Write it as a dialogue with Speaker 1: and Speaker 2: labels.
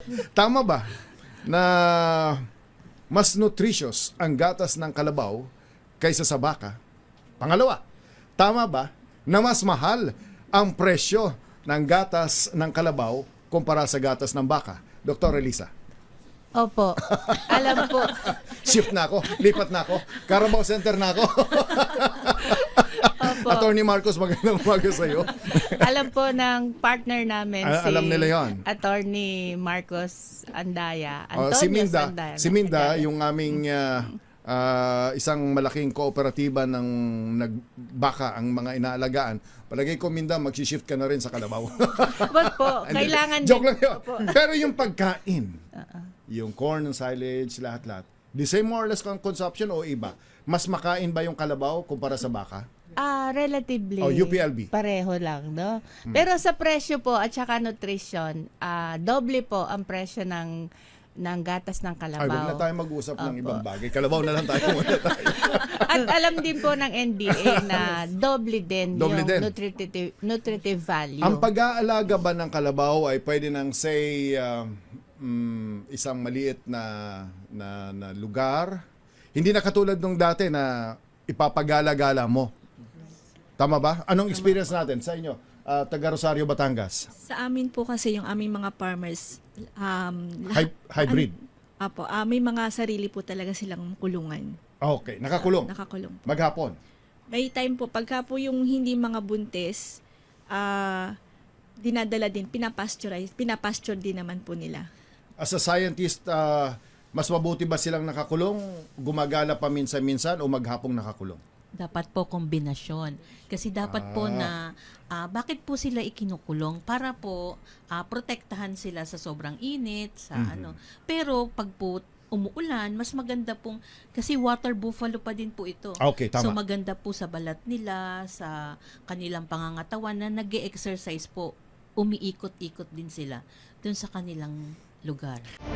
Speaker 1: Tama ba na mas nutritious ang gatas ng kalabaw kaysa sa baka? Pangalawa, tama ba na mas mahal ang presyo ng gatas ng kalabaw kumpara sa gatas ng baka? Dr. Elisa.
Speaker 2: Opo. Alam po.
Speaker 1: Shift na ako, lipat na ako, Carabao Center na ako.
Speaker 2: Opo.
Speaker 1: Attorney Marcos, magandang umaga sa iyo.
Speaker 2: Alam po ng partner namin
Speaker 1: Alam nila yon.
Speaker 2: Attorney Marcos Andaya.
Speaker 1: Si
Speaker 2: Antonio
Speaker 1: Minda,
Speaker 2: Andaya.
Speaker 1: si Minda, yung aming isang malaking kooperatiba ng nagbaka ang mga inaalagaan. Palagay ko, Minda, mag-shift ka na rin sa kalabaw.
Speaker 2: Wag po, kailangan
Speaker 1: Joke
Speaker 2: din.
Speaker 1: lang yun.
Speaker 2: Opo.
Speaker 1: Pero yung pagkain, yung corn and silage, lahat-lahat, the same more or less consumption o iba? Mas makain ba yung kalabaw kumpara sa baka?
Speaker 2: Relatively.
Speaker 1: UPLB.
Speaker 2: Pareho lang, no? Pero sa presyo po at saka nutrition, doble po ang presyo ng gatas ng
Speaker 1: Ay,
Speaker 2: kalabaw.
Speaker 1: huwag na tayo mag-usap ng
Speaker 2: Opo.
Speaker 1: ibang bagay. Kalabaw na lang tayo muna tayo.
Speaker 2: At alam din po ng NDA na doble din
Speaker 1: Doble
Speaker 2: yung
Speaker 1: din.
Speaker 2: nutritive value.
Speaker 1: Ang pag-aalaga ba ng kalabaw ay pwede nang say isang maliit na lugar. Hindi na katulad nung dati na ipapagala-gala mo. Tama ba? Anong experience natin sa inyo? Taga Rosario, Batangas.
Speaker 3: Sa amin po kasi yung aming mga farmers,
Speaker 1: Hybrid.
Speaker 3: Apo, may mga sarili po talaga silang kulungan.
Speaker 1: Okay, nakakulong.
Speaker 3: Nakakulong.
Speaker 1: Maghapon.
Speaker 3: May time po, pagka po yung hindi mga buntis, dinadala din, pinapasture din naman po nila.
Speaker 1: As a scientist, mas mabuti ba silang nakakulong, gumagala pa minsan-minsan o maghapong nakakulong?
Speaker 4: Dapat po kombinasyon. Kasi dapat po na bakit po sila ikinukulong? Para po protektahan sila sa sobrang init, sa ano. Pero pag po umuulan, mas maganda pong, kasi water buffalo pa din po ito.
Speaker 1: Okay, tama.
Speaker 4: So maganda po sa balat nila, sa kanilang pangangatawan na nag-e-exercise po, umiikot-ikot din sila dun sa kanilang lugar.